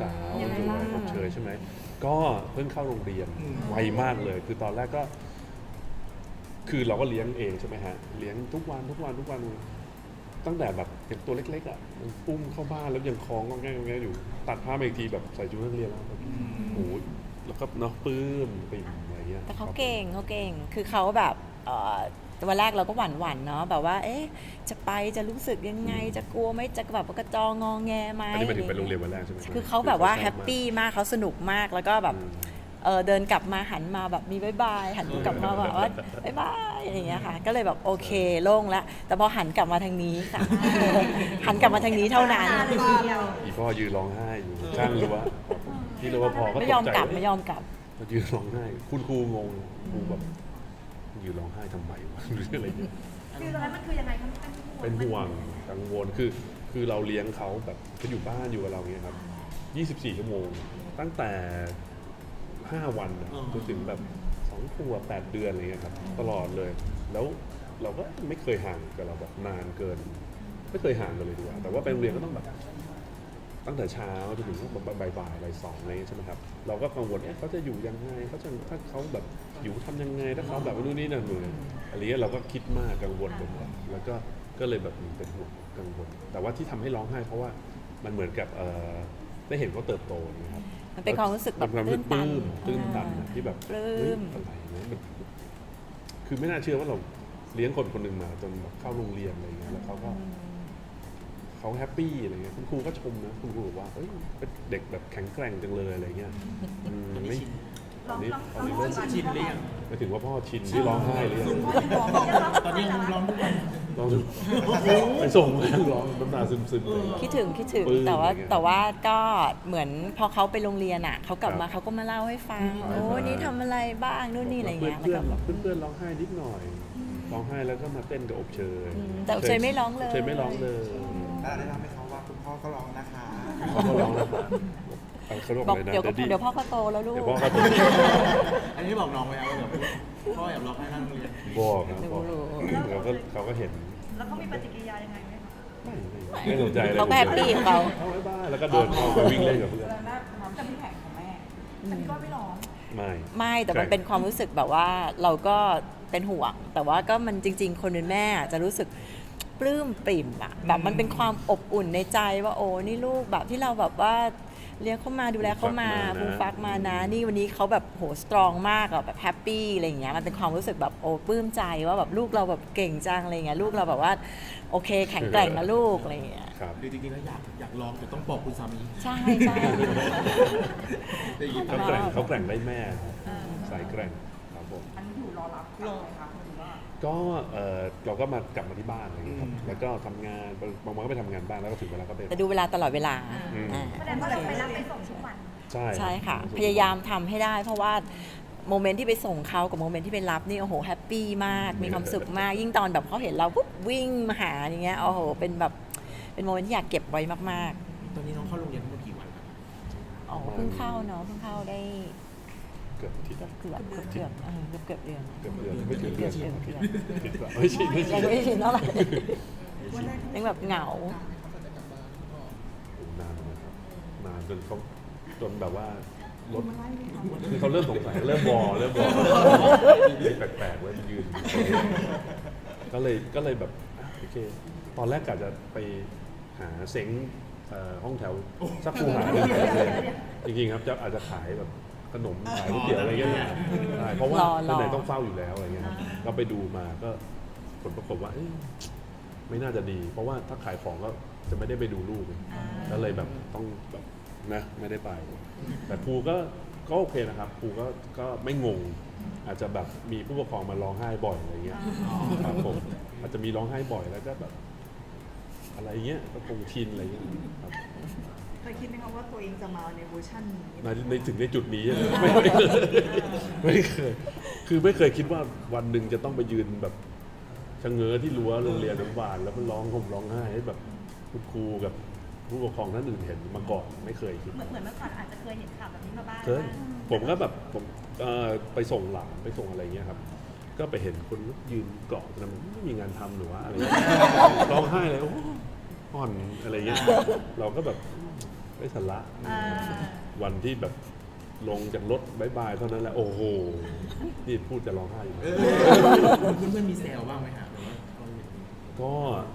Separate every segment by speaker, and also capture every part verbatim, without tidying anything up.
Speaker 1: สาวสวยอบเชยใช่ไหมก็เพิ่งเข้าโรงเรียนไวมากเลย คือตอนแรกก็ คือเราก็เลี้ยงเองใช่ไหมฮะเลี้ยงทุกวันทุกวันทุกวันตั้งแต่แบบเป็นตัวเล็กๆอ่ะมันอุ้มเข้าบ้านแล้วยังคล้องก็แง่งๆอยู่ตัดผ้ามาอีกทีแบบใส่ชุดนักเรียนแล้วแบบโอ้โหแล้วก็เนาะปลื้มปิ่มอะไรเงี้ย
Speaker 2: แต่เขาเก่งเขาเก่งคือเขาแบบเอ่อวันแรกเราก็หวั่นหวั่นๆเนาะแบบว่าเอ๊ะจะไปจะรู้สึกยังไงจะกลัวไหมจะแบบกระจองงอแงไหม
Speaker 1: อันนี้หมายถึงไปโรงเรียนวันแรกใช่ไหม
Speaker 2: คือเขาแบบว่าแฮปปี้มากเขาสนุกมากแล้วก็แบบเออเดินกลับมาหันมาแบบมีบายบายหันกลับมาแบบว่าบายบายอย่างเงี้ยค่ะก็เลยแบบโอเคโล่งแล้วแต่พอหันกลับมาทางนี้ค่ะ หันกลับมาทางนี้เท่านั้น
Speaker 1: อีพ่อยืนร้องไห้อยู่ข้างรั้วที่รั้วพอก็ตกใจ
Speaker 2: ไม่ยอมกลับไม่ยอมกลับ
Speaker 1: มายืนร้องไห้คุณครูงงครูแบบยืนร้องไห้ทำไมวะหรืออะไรเงี้ย
Speaker 3: คือตอนนั้นมันคือยังไงคะมัน
Speaker 1: เป็นห่วงกังวลคือคือเราเลี้ยงเขาแบบเขาอยู่บ้านอยู่กับเราเงี้ยครับยี่สิบสี่ชั่วโมงตั้งแต่ห้าวันอะจนถึงแบบสองขวบแปดเดือนอะไรเงี้ยครับตลอดเลยแล้วเราก็ไม่เคยห่างกับเราแบบนานเกินไม่เคยห่างกันเลยดีกว่าแต่ว่าไปโรงเรียนก็ต้องแบบตั้งแต่เช้าจนถึงบ่ายบ่ายบ่ายสองอะไรเงี้ยใช่ไหมครับเราก็กังวลเอ๊ะเขาจะอยู่ยังไงเขาจะถ้าเขาแบบอยู่ทำยังไงถ้าเขาแบบนู่นนี่นั่นเลยอะไรเงี้ยเราก็คิดมากกังวลไปหมดแล้วก็ก็เลยแบบเป็นห่วงกังวลแต่ว่าที่ทำให้ร้องไห้เพราะว่ามันเหมือนกับเอ่อได้เห็นเขาเติบโตนะครับ
Speaker 2: มันเป็นความรู้สึกแบบ
Speaker 1: มัน
Speaker 2: ตื้นตัน
Speaker 1: ตื้นตันนะที่แบบ
Speaker 2: ปลื้
Speaker 1: เฮ้ย
Speaker 2: ม
Speaker 1: อะไรเนี่ยมันคือไม่น่าเชื่อว่าเราเลี้ยงคนคนหนึ่งมาจนแบบเข้าโรงเรียนอะไรเงี้ยแล้วเขาก็เขาแฮปปี้อะไรเงี้ยคุณครูก็ชมนะคุณครูบอกว่าเอ้ยเป็นเด็กแบบแข็งแกร่งจังเลยอะไรเงี้ยอืมไม่ตอนนี้ตอนนี้เริ่ม
Speaker 4: ชินหรือยัง
Speaker 1: ไปถึงว่าพ่อชินที่ร้องไห้เลย
Speaker 4: ตอนนี้ยังร้องทุกวัน
Speaker 1: ร้องไปส่งแม่ร้องน้ำตาซึมๆเลย
Speaker 2: คิดถึงคิดถึง
Speaker 1: ปลื้ม
Speaker 2: แต่ว่า
Speaker 1: อะไรเงี้ย
Speaker 2: แต่ว่าก็เหมือนพอเขาไปโรงเรียนอ่ะเขากลับมา
Speaker 1: ครับ
Speaker 2: เขาก็มาเล่าให้ฟัง
Speaker 1: อืม
Speaker 2: โอ้นี่ทำอะไรบ้างนู่นนี่อะไรเงี้ย
Speaker 1: เพื่อน
Speaker 2: แล้วก็แบบ
Speaker 1: เพื่อนเพื่อนๆร้องไห้นิดหน่อยร้องไห้แล้วก็มาเต้นกับอบเชย
Speaker 2: อืมแต่อบเชยไม่ร้องเลย
Speaker 1: บเชยไม่ร้องเลย
Speaker 4: แล้วได้รับไหมเขาว่าคุณพ่อก็ร้องนะคะ
Speaker 1: เขาก็ร้องแล้วเขาบอก
Speaker 2: บอก
Speaker 1: เลยนะ
Speaker 2: เดี๋ยวก็
Speaker 1: ดดดี้
Speaker 2: เดี๋ยวพ่อก็โตแล้วลูก
Speaker 1: เดี๋ยวพ่อก็โต
Speaker 4: อันนี้บอกน้องไว้แล้วว่าแบบพ่ออยากร้องให้นั่งโรงเรียน
Speaker 1: บอกนะ
Speaker 2: รู้
Speaker 1: บอก
Speaker 2: รู้
Speaker 1: เขาก็เขาก็เห็น
Speaker 3: แล้วเขามีปฏิกิริยายังไงไหมคะ
Speaker 1: ไม่ไม่ไม่สนใจเลย
Speaker 2: เขาก็แฮปปี้ของเขา
Speaker 1: เขาบ๊ายบายแล้วก็เดินเข้าไปวิ่งเล่นกับเพื่อน
Speaker 3: แล้วน่าน้ำจะมีแผงของแม่แต่พี่ก็ไม่ร้อง
Speaker 1: ไม่
Speaker 2: ไม่แต่มันเป็นความรู้สึกแบบว่าเราก็เป็นห่วง แต่ว่าก็มันจริง ๆ คนเป็นแม่จะรู้สึกปลื้มปริ่มอะแบบมันเป็นความอบอุ่นในใจว่าโอ้นี่ลูกแบบที่เราแบบว่าเลี้ยงเขามาดูแลเขามาฟูมฟักมานะ นี่วันนี้เขาแบบโหสตรองมากอะแบบแฮปปี้อะไรอย่างเงี้ยมันเป็นความรู้สึกแบบโอ้ปลื้มใจว่าแบบลูกเราแบบเก่งจังอะไรเงี้ยลูกเราแบบว่าโอเคแข็งแกร่งนะลูกอะไรอย่างเงี้ย
Speaker 1: ครับ
Speaker 4: หรือจริงๆแล้วอยากอยากร้องแต่ต้องบอกคุณสามี
Speaker 2: ใช่ใช่
Speaker 4: ได้ยิน
Speaker 1: เขาแกร่งเขาแกร่งได้แม่สายแกร่งครับผม
Speaker 3: อันนี้อยู่รอรับรอครับหรือว่า
Speaker 1: ก็เออเราก็มากลับมาที่บ้านอะไรอย่างเงี้ยครับแล้วก็ทำงานบางวันก็ไปทำงานบ้านแล้วก็ถึงเวลาก็ไป
Speaker 2: แต่ดูเวลาตลอดเวลา
Speaker 1: อืม
Speaker 2: อ่า
Speaker 3: แสดงว่าเราไปรับไปส่งทุกวัน
Speaker 1: ใช่
Speaker 2: ใช่ค่ะ พยายามทำให้ได้ เพราะว่าโมเมนต์ที่ไปส่งเขากับโมเมนต์ที่ไปรับนี่โอ้โหแฮปปี้มากมีความสุขมาก ยิ่งตอนแบบเขาเห็นเราปุ๊บวิ่งมาหาอย่างเงี้ยโอ้โหเป็นแบบเป็นโมเมนต์ที่อยากเก็บไว้มาก
Speaker 4: ตอนนี้น้องเข้าโรงเรียนทั้งหมดกี่วันครับ
Speaker 2: ๆอ๋อเพิ่งเข้าเนาะเพิ่งเข้าได้
Speaker 1: เกือบอาทิตย์ละ
Speaker 2: เกือบเกือบเกือบเออเกือบเกือบเดือน
Speaker 1: เกือบเดือนไม่ถึงเดือน
Speaker 2: เกือบเดือน
Speaker 1: อาทิตย์ละไม่ใช่ไม่ใช่
Speaker 2: ยังไม่ชินเท่าไหร่ยังแบบเหงา
Speaker 1: นานนะครับนานจนเขาจนแบบว่ารถคือเขาเริ่มสงสัยเริ่มวอเริ่มวอแปลกๆเว้ยมันยืนก็เลยก็เลยแบบอ่ะโอเคตอนแรกกะจะไปหาเซ้งเอ่อห้องแถวสักคูหาหนึ่งจริงๆครับจะอาจจะขายแบบขนมขายก๋วยเตี๋ยวอะไรเงี้ยใช่เพราะว่าร
Speaker 2: อรอ
Speaker 1: ไหนๆต้องเฝ้าอยู่แล้วอะไรเงี้ยครับก็ไปดูมาก็ผลปรากฏว่าเอ้ยไม่น่าจะดี เพราะว่าถ้าขายของก็จะไม่ได้ไปดูลูกก็เลยแบบต้องแบบนะไม่ได้ไป แต่ครูก็ก็โอเคนะครับครูก็ก็ไม่งง อาจจะแบบมีผู้ปกครองมาร้องไห้บ่อยอะไรเงี้ยครับผมอาจจะมีร้องไห้บ่อยแล้วก็แบบอะไรเงี้ยก็คงชินอะไรเงี้ยครับ
Speaker 3: เคยคิดไหมคะว่าตัวเองจะมาในเวอร์ชันนี้
Speaker 1: ในในถึงในจุดนี้ไม่ไม่เคยไม่เคยคือไม่เคยคิดว่าวันหนึ่งจะต้องไปยืนแบบชะเง้อที่รั้วโรงเรียนอนุบาลแล้วมันร้องห่มร้องไห้ให้แบบคุณครูกับผู้ปกครองท่านอื่นเห็นมาก่อนไม่เคยคิด
Speaker 3: เหมือนเหมือนเมื่อก่อนอาจจะเคยเห็นข่าวแบบนี้มาบ้าง
Speaker 1: เคยผมก็แบบผมเอ่อไปส่งหลานไปส่งอะไรเงี้ยครับ ก็ไปเห็นคนยืนเกาะแต่มันไม่มีงานทำหรือว่าอะไรเงี้ยร้องไห้เลยโอ้อ่อนอะไรเงี้ยเราก็แบบไม่สาระ
Speaker 3: อ่า
Speaker 1: วันที่แบบลงจากรถบายบายเท่านั้นแหละโอ้โหนี่พูดจะร้องไห้อยู่
Speaker 4: เออเพื่อนๆมีแซวบ้างไหมฮะหรือว่าเขาเห็น
Speaker 1: ก็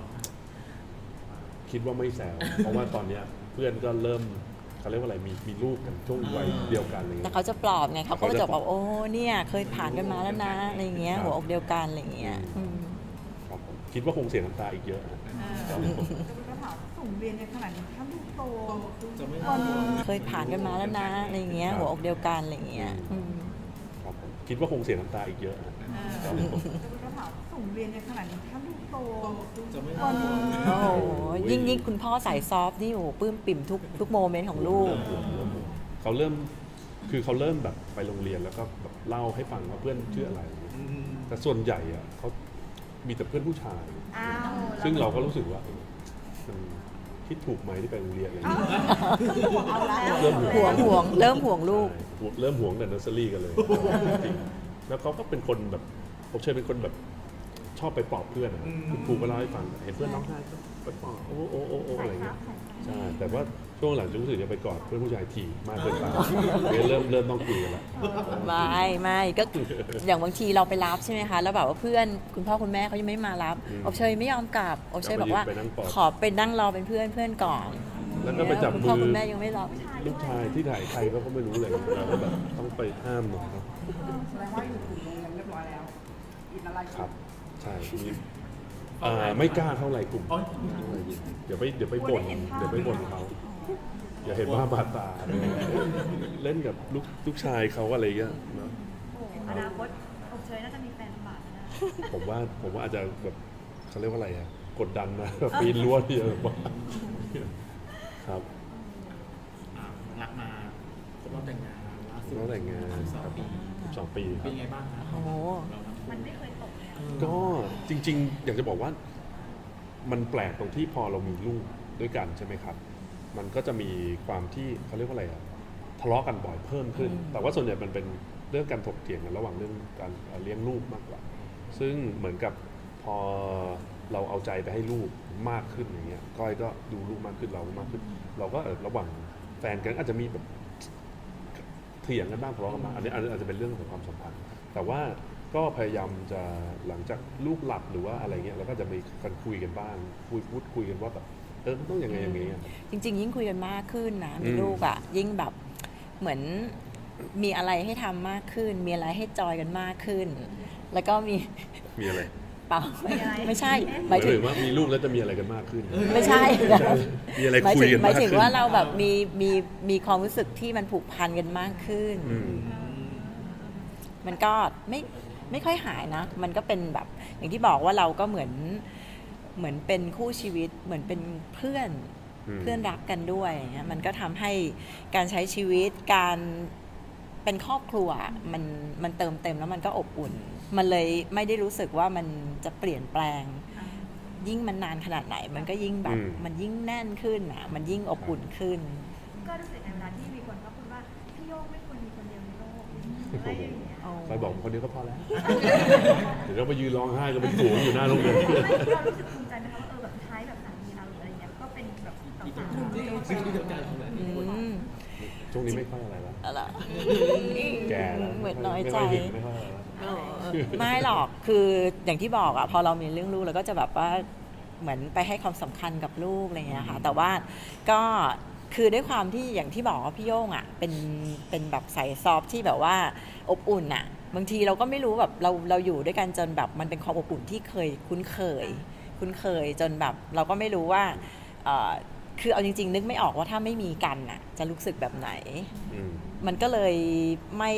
Speaker 1: คิดว่าไม่แซว เพราะว่าตอนเนี้ยเพื่อนก็เริ่มเขาเรียกว่าอะไรมีมีลูกกันช่วงวัยเดียวกันอะไร
Speaker 2: แต่
Speaker 1: เงี้ย
Speaker 2: เขาจะปลอบไงเขาก็
Speaker 1: เขาจะ
Speaker 2: จะบอกโอ้เนี่ยเคยผ่านกันมาแล้วนะอะไรเงี้ย
Speaker 1: ครับ
Speaker 2: หัวอกเดียวกันอะไรเงี้ยอืม
Speaker 1: ครับผมคิดว่าคงเสียน้ำตาอีกเยอะนะ
Speaker 3: จะเป็นคำถามส่งเรียนในขนาดนี้ถ้าลูกโต
Speaker 4: จะไม่
Speaker 3: วันหนึง
Speaker 2: เคยผ่านกันมาแล้วนะอะไรเงี้ยหัวอกเดียวกันอะไรเงี้ยอืม
Speaker 1: ครับผมคิดว่าคงเสียน้ำตาอีกเยอะนะ
Speaker 3: จะเป็นคำถามส่งเรียนในขนาดนี้ถ้าลูกโต
Speaker 4: จะไม่
Speaker 3: วันหนึง
Speaker 2: โอ้โหยิ่งยิ่งคุณพ่อสายซอฟต์นี่โอ้โหปลื้มปิ่มทุกทุกโมเมนต์ของลูก
Speaker 1: เริ่มห่วงเริ่มห่วงเขาเริ่มคือเขาเริ่มแบบไปโรงเรียนแล้วก็แบบเล่าให้ฟังว่าเพื่อนชื่ออะไร
Speaker 4: อืม
Speaker 1: แต่ส่วนใหญ่อะเขามีแต่เพื่อนผู้ชาย
Speaker 3: อ้าว
Speaker 1: ซึ่งเราก็รู้สึกว่าเออมันคิดถูกไหมที่ไปโรงเรียนอะไรอย่างเงี้ย
Speaker 3: เอาแล้ว
Speaker 1: เริ่ม
Speaker 2: ห่วงห่วงเริ่มห่วงลูก
Speaker 1: ใช่เริ่มห่วงแต่เนอร์เซอรี่กันเลยจริงแล้วเขาก็เป็นคนแบบผมเชื่อเป็นคนแบบชอบไปปลอบเพื่อนอะคุณครูก็เล่าให้ฟังเห็นเพื่อนร้องไห้ก็ไปปลอบโอ้โอ้โอ้โอ้อะไรเงี้ยใช่แต่ว่าช่วงหลังจะรู้สึกจะไปกอดเพื่อนผู้ชายถี่มากเกินไปเนี่ยเริ่มเริ่มต้องคุยกันละ
Speaker 2: ไม่ไม่ก็อย่างบางทีเราไปรับใช่ไหมคะแล้วแบบว่าเพื่อนคุณพ่อคุณแม่เขายังไม่มารับ
Speaker 1: อืม
Speaker 2: อบเชยไม่ยอมกลับอบเชยบอกว่า
Speaker 1: ไปนั่งปลอบ
Speaker 2: ขอไปนั่งรอเป็นเพื่อนเพื่อนก่อน
Speaker 1: แล้วก็ไปจับ
Speaker 2: คุณ
Speaker 1: มื
Speaker 2: พ่อ
Speaker 1: อ
Speaker 2: คุณแม่ยังไม่รับ
Speaker 1: ลูกชายที่ถ่ายใครก็ไม่รู้เลยเราก็แบบต้องไปห้ามหน่อยครับ
Speaker 3: แสดงว่าอยู่ถึงโรงเรียนเรียบร้อยแล้วอินอะไร
Speaker 1: ครับใช่มีอ่าไม่กล้าเท่าไหร่กลุ่ม
Speaker 4: อ๋อ
Speaker 1: เดี๋ยวไปเดี๋ยวไปบ่นเดี๋ยวไปบ่นเขาอย่าเห็นว่าบาดตาเล่นกับลูกลูกชายเขาอะไรเงี้ยเนอะ
Speaker 3: อนาคตอบเชยน่าจะมีแฟนบาทนะ
Speaker 1: ผมว่าผมว่าอาจจะแบบเขาเรียกว่าอะไรอะกดดันนะแบบปีนรั้วที่แบบว่าครับ
Speaker 4: อ่ารักมาครบรอบแต่งงานล่าสุด
Speaker 1: น้องแต่งงาน
Speaker 4: สองปี
Speaker 1: สิบสองปีค
Speaker 4: เป็
Speaker 1: รับ
Speaker 4: นไงบ้างครับ
Speaker 2: โอ้โห
Speaker 4: เราทั้งคู่
Speaker 3: มันไม่เคยตกเลย
Speaker 1: ก็จริง ๆ อยากจะบอกว่ามันแปลกตรงที่พอเรามีลูกด้วยกันใช่ไหมครับ มันก็จะมีความที่เขาเรียกว่าอะไรอะทะเลาะกันบ่อยเพิ่มขึ้น แต่ว่าส่วนใหญ่มันเป็นเรื่องการถกเถียงกันระหว่างเรื่องการเลี้ยงลูกมากกว่า ซึ่งเหมือนกับพอเราเอาใจไปให้ลูกมากขึ้นอย่างเงี้ยก้อยก็ดูลูกมากขึ้นเรามากขึ้น เราก็เออระหว่างแฟนกันอาจจะมีแบบเถียงกันบ้างทะเลาะกันบ้างอันนี้อันนี้อาจจะเป็นเรื่องของความสัมพันธ์ แต่ว่าก็พยายามจะหลังจากลูกหลับหรือว่าอะไรเงี้ยเราก็จะมีการคุยกันบ้างคุยพูดคุยกันว่าแบบเออมันต้องยังไงอย่างเงี้ย
Speaker 2: จริง ๆ ยิ่งคุยกันมากขึ้นนะมี
Speaker 1: อืม
Speaker 2: ลูกอ่ะยิ่งแบบเหมือนมีอะไรให้ทำมากขึ้น มีอะไรให้จอยกันมากขึ้น แล้วก็มี
Speaker 1: มีอะไร
Speaker 2: เปล่าไม่ใช่ห
Speaker 1: ห
Speaker 2: มาย
Speaker 1: มาย
Speaker 2: ถึ
Speaker 1: ถึ
Speaker 2: ง
Speaker 1: งว่ามีลูกแล้วจะมีอะไรกันมากขึ้น
Speaker 2: ไม่ใช่
Speaker 1: มีอะไร
Speaker 2: หมาย
Speaker 1: คุย
Speaker 2: ถึง
Speaker 1: กัน
Speaker 2: หมาย
Speaker 1: มาก
Speaker 2: ถึง
Speaker 1: ขึ้น
Speaker 2: ว่าเราแบบมีมีมีความรู้สึกที่มันผูกพันกันมากขึ้น
Speaker 1: อืม
Speaker 2: มันก็ไม่ไม่ค่อยหายนะ มันก็เป็นแบบอย่างที่บอกว่าเราก็เหมือนเหมือนเป็นคู่ชีวิต เหมือนเป็นเพื่อน
Speaker 1: อืม
Speaker 2: เพื่อนรักกันด้วยอย่างเงี้ยมันก็ทำให้การใช้ชีวิตการเป็นครอบครัวมันมันเติมเต็มแล้วมันก็อบอุ่น มันเลยไม่ได้รู้สึกว่ามันจะเปลี่ยนแปลง ยิ่งมันนานขนาดไหน มันก็ยิ่งแบบ
Speaker 1: อืม
Speaker 2: มันยิ่งแน่นขึ้นอ่ะมันยิ่งอบอุ่นขึ้น
Speaker 3: ก็รู้สึกในเวลาที่มีคนเขาพูดว่าพี่โยกไม่ควรมีคนเดียวในโลกอะไรอย่างเงี้ย
Speaker 1: คอยบอกคนเดียวก็พอแล้ว เดี๋ยวเราไปยืนร้องไห้กันเป็นฝูงอยู่หน้าโรงเรียน
Speaker 3: เรารู้สึกภูมิใจไหมคะว่าเออแบบท้ายแบบสามีเราหรืออะไรเงี้ยก็เป็นแบบสาว
Speaker 4: อีก
Speaker 3: สาว
Speaker 4: ที่ที่เดียวกันแหละ
Speaker 2: อืม
Speaker 1: ช่วงนี้ไม่ค่อยอะไรแล้ว
Speaker 2: อะไร
Speaker 1: แก่แล้ว
Speaker 2: เหมือนน้อยใจ
Speaker 1: ไม่ค่อยหึงไม่ค่อยอะไรแล้ว
Speaker 2: เออไม่หรอก คืออย่างที่บอกอะพอเรามีเรื่องลูกเราก็จะแบบว่าเหมือนไปให้ความสำคัญกับลูกอะไรเงี้ยค่ะ แต่ว่าก็คือด้วยความที่อย่างที่บอกว่าพี่โย่งอะเป็นเป็นแบบสายซอฟต์ที่แบบว่าอบอุ่นอะบางทีเราก็ไม่รู้แบบเราเราอยู่ด้วยกันจนแบบมันเป็นความอบอุ่นที่เคยคุ้นเคย คุ้นเคยจนแบบเราก็ไม่รู้ว่าเอ่อคือเอาจริง ๆ นึกไม่ออกว่าถ้าไม่มีกันอะจะรู้สึกแบบไหน
Speaker 1: อืม
Speaker 2: มันก็เลยไม่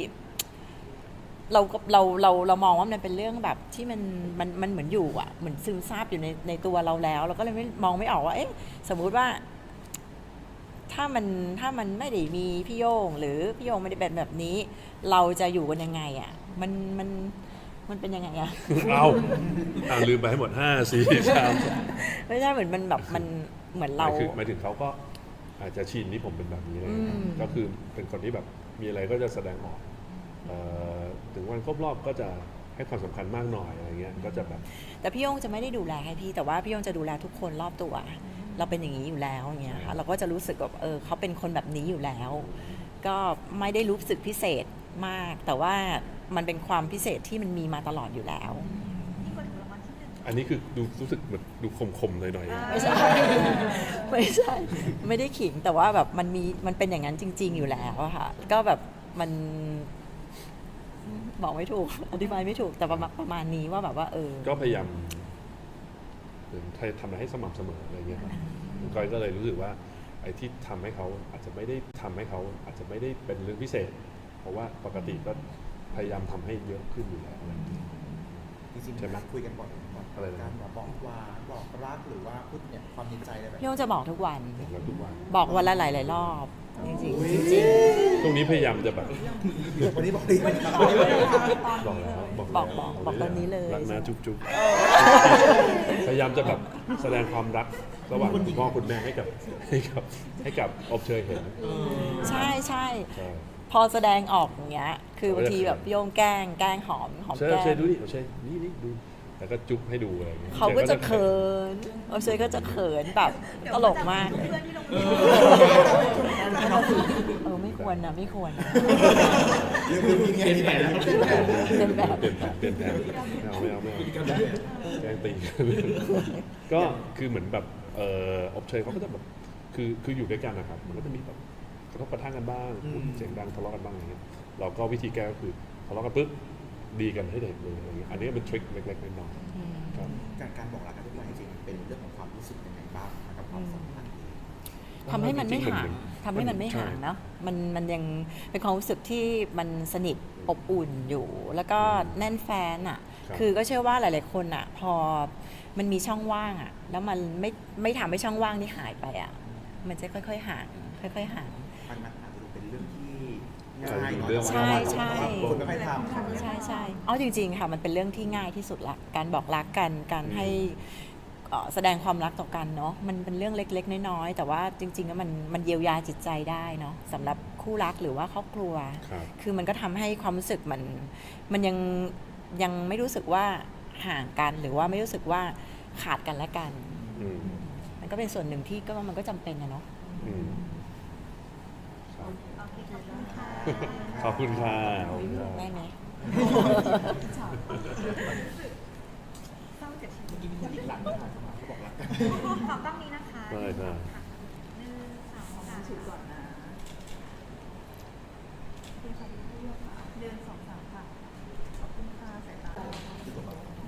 Speaker 2: เราก็เราเราเรามองว่ามันเป็นเรื่องแบบที่มันมันมันเหมือนอยู่อ่ะเหมือนซึมซาบอยู่ในในตัวเราแล้วเราก็เลยไม่มองไม่ออกว่าเอ๊ะสมมุติว่า ถ้ามันถ้ามันไม่ได้มีพี่โยงหรือพี่โยงไม่ได้เป็นแบบนี้ เราจะอยู่กันยังไงอ่ะมันมันมันเป็นยังไงอ่ะ
Speaker 1: เอาเอาลืมไปให้หมดห้าสี่สาม
Speaker 2: ไม่ใช่เหมือนมันแบบมันเหมือน
Speaker 1: ห
Speaker 2: เรา
Speaker 1: มายถึงหมายถึงเขาก็อาจจะชินที่ผมเป็นแบบนี้เลย
Speaker 2: อืม
Speaker 1: ก็คือเป็นคนที่แบบมีอะไรก็จะแสดงออกเอ่อถึงวันครบรอบก็จะให้ความสำคัญมากหน่อยอะไรเงี้ยก็จะแบบ
Speaker 2: แต่พี่โยงจะไม่ได้ดูแลให้พี่แต่ว่าพี่โยงจะดูแลทุกคนรอบตัวเราเป็นอย่างนี้อยู่แล้วอย่างเงี้ยค่ะเราก็จะรู้สึกแบบเออเขาเป็นคนแบบนี้อยู่แล้ว ก็ไม่ได้รู้สึกพิเศษมาก แต่ว่ามันเป็นความพิเศษที่มันมีมาตลอดอยู่แล้ว
Speaker 3: นี่คนถูกรางวัลที่หนึ่ง
Speaker 1: อันนี้คือดูรู้สึกเหมือนดูคมๆหน่อย
Speaker 2: ไม่ใช่ ไม่ใช่ ไม่ได้ขิงแต่ว่าแบบมันมีมันเป็นอย่างนั้นจริง ๆ อยู่แล้วอะค่ะ ก็แบบมันบอกไม่ถูก อธิบายไม่ถูกแต่ประมาณประมาณนี้ว่าแบบว่า เออ
Speaker 1: ๆก็พยายามเหมือนทำอะไรให้สม่ำเสมออะไรเงี้ยครับก้อยก็เลยรู้สึกว่าไอ้ที่ทำให้เขาอาจจะไม่ได้ทำให้เขาอาจจะไม่ได้เป็นเรื่องพิเศษ เพราะว่าปกติก็พยายามทำให้เยอะขึ้นอยู่แล้วอะไรเงี้ย
Speaker 4: จริง
Speaker 1: ใช่ไหม
Speaker 4: ๆคุยกันบ่อยไหม
Speaker 1: อะไรนะ
Speaker 4: การบอกหวานบอกรักหรือว่าพูดเนี่ยความในใจอะไรแบบ
Speaker 2: พี่โยงจะบอกทุกวัน
Speaker 1: บอกแล้วทุกวัน
Speaker 2: บอกวันละหลายๆรอบ จริงๆจริง
Speaker 1: ตรงนี้พยายามจะแบบ
Speaker 4: วันนี้บอกดีวันนี้บอกดี
Speaker 1: บอกแล้วบอก
Speaker 2: บอก
Speaker 1: แล้ว
Speaker 2: บอกบอกตอนนี้เลย
Speaker 1: รักนะจุ๊บจุ๊บพยายามจะแบบแสดงความรักระหว่างคุณพ่อคุณแม่ให้กับให้กับให้กับอบเชยเห็น
Speaker 2: ๆใช่ใช่
Speaker 1: ใช่
Speaker 2: พอแสดงออกอย่างเงี้ย คือบางทีแบบพี่โยงแกล้งแกล้งหอมหอม
Speaker 1: เชย
Speaker 2: แก้
Speaker 1: เชย
Speaker 2: ม
Speaker 1: ดูดิเชยนี่นี่ดูแล้วก็จุ๊บให้ดูอะไรอย่างเงี้ย
Speaker 2: เขาก็จะเขินโอเชยก็จะเขินแบบตลกมาก
Speaker 3: เพื่อนที่โรงเรียน
Speaker 2: เออไม่ควรนะไม่ควรนะ
Speaker 4: เป็นแบบ
Speaker 2: เป็นแบบ
Speaker 1: เปลี่ยนแผนเปลี่ยนแผนไม่เอาไม่เอาไม่เอาแกล้งตีกันก็คือเหมือนแบบเอออบเชยเขาก็จะแบบคือคืออยู่ด้วยกันนะครับมันก็จะมีแบบกระทบกระทั่งกันบ้างพูดเสียงดังทะเลาะกันบ้างอะไรเงี้ยเราก็วิธีแก้ก็คือทะเลาะกันปุ๊บดีกันให้เด็กเลยอะไรเงี้ยอันนี้เป็นทริคเล็กๆน้อยๆครับ
Speaker 4: การการบอกรักกันทุกวันจริงๆเป็นเรื่องของความรู้สึกยังไงบ้างกับความสัมพันธ์
Speaker 2: ทำให้มันไม่ห่าง
Speaker 1: จริงๆ
Speaker 2: ทำให้มันไม่ห่างเนาะมันมันยังเป็นความรู้สึกที่มันสนิทอบอุ่นอยู่ แล้วก็แน่นแฟนอ่ะ
Speaker 1: ครับ
Speaker 2: คือก็เชื่อว่าหลาย ๆ คนอ่ะ พอมันมีช่องว่างอ่ะ แล้วมันไม่ไม่ทำให้ช่องว่างนี้หายไปอ่ะ มันจะค่อย ๆ ห่าง ค่อย ๆ ห่าง
Speaker 4: มันมันอาจจะดูเป็นเรื่องที่ง่ายเนาะ
Speaker 1: เรื่อง
Speaker 2: ใช่ใช่
Speaker 4: คนไม่ค่อยทำ
Speaker 2: ใช่ใช่เอาจริง ๆ ค่ะ มันเป็นเรื่องที่ง่ายที่สุดละ การบอกรักกัน การให้เอ่อแสดงความรักต่อกันเนาะ มันเป็นเรื่องเล็ก ๆ น้อย ๆ แต่ว่าจริงๆแล้วมันมันเยียวยาจิตใจได้เนาะสำหรับคู่รักหรือว่าครอบครัว
Speaker 1: ครับ
Speaker 2: คือมันก็ทำให้ความรู้สึกมันมันยังยังไม่รู้สึกว่าห่างกันหรือว่าไม่รู้สึกว่าขาดกันและกัน
Speaker 1: อืม
Speaker 2: มันก็เป็นส่วนหนึ่งที่ก็ว่ามันก็จำเป็นนะเนาะ
Speaker 1: อืมครับ
Speaker 3: โอเคขอบคุณค่ะ
Speaker 1: ขอบคุณค่ะขอบคุณค่ะ
Speaker 2: ได้ไหม
Speaker 3: เศร้าเจ็บชีวิต
Speaker 4: หลังเขาบอกรักกัน
Speaker 3: ขอต้องนี้นะคะ
Speaker 1: ได้ได้
Speaker 3: หนึ่งสองสาม
Speaker 5: ฉุดก่อนนะ
Speaker 3: เดือนสองสามค่ะ ขอบคุณค่ะสายตา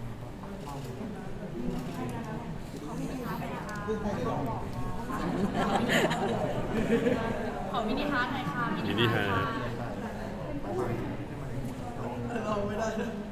Speaker 5: ขอมินิฮาร์ดหน่อยค่ะ
Speaker 1: มินิฮาร์ท
Speaker 5: เราไม่ได้